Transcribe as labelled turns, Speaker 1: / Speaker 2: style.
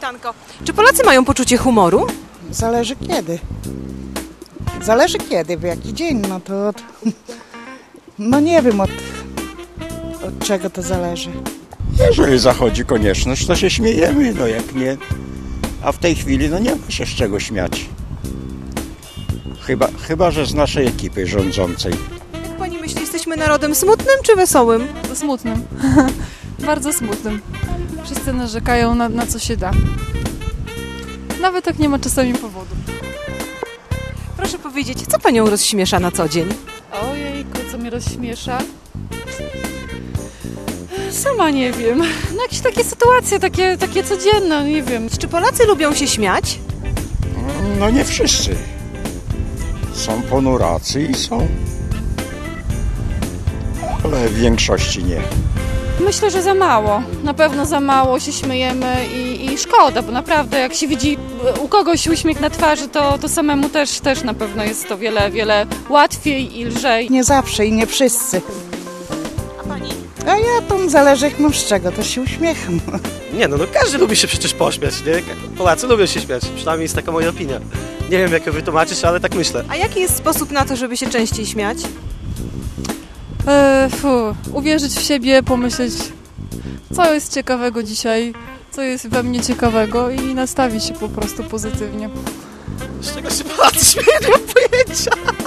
Speaker 1: Witanko. Czy Polacy mają poczucie humoru?
Speaker 2: Zależy kiedy. Zależy kiedy, w jaki dzień, no to no nie wiem od czego to zależy.
Speaker 3: Jeżeli zachodzi konieczność, to się śmiejemy, no jak nie. A w tej chwili no nie ma się z czego śmiać. Chyba, że z naszej ekipy rządzącej.
Speaker 1: Jak pani myśli, jesteśmy narodem smutnym czy wesołym?
Speaker 4: Smutnym. Bardzo smutnym. Wszyscy narzekają na co się da. Nawet jak nie ma czasami powodu.
Speaker 1: Proszę powiedzieć, co panią rozśmiesza na co dzień?
Speaker 4: Ojejku, co mnie rozśmiesza? Sama nie wiem. No jakieś takie sytuacje, takie codzienne, nie wiem.
Speaker 1: Czy Polacy lubią się śmiać?
Speaker 3: No nie wszyscy. Są ponuracy i są. Ale w większości nie.
Speaker 4: Myślę, że za mało. Na pewno za mało się śmiejemy i szkoda, bo naprawdę jak się widzi u kogoś uśmiech na twarzy, to samemu też na pewno jest to wiele łatwiej i lżej.
Speaker 2: Nie zawsze i nie wszyscy.
Speaker 1: A pani?
Speaker 2: A ja to zależy jak mam z czego, to się uśmiecham.
Speaker 5: Nie no, każdy lubi się przecież pośmiać, nie? Polacy lubią się śmiać, przynajmniej jest taka moja opinia. Nie wiem jak ją wytłumaczyć, ale tak myślę.
Speaker 1: A jaki jest sposób na to, żeby się częściej śmiać?
Speaker 4: Uwierzyć w siebie, pomyśleć, co jest ciekawego dzisiaj, co jest we mnie ciekawego i nastawić się po prostu pozytywnie.
Speaker 5: Z czego się Polacy śmieją, nie mam pojęcia.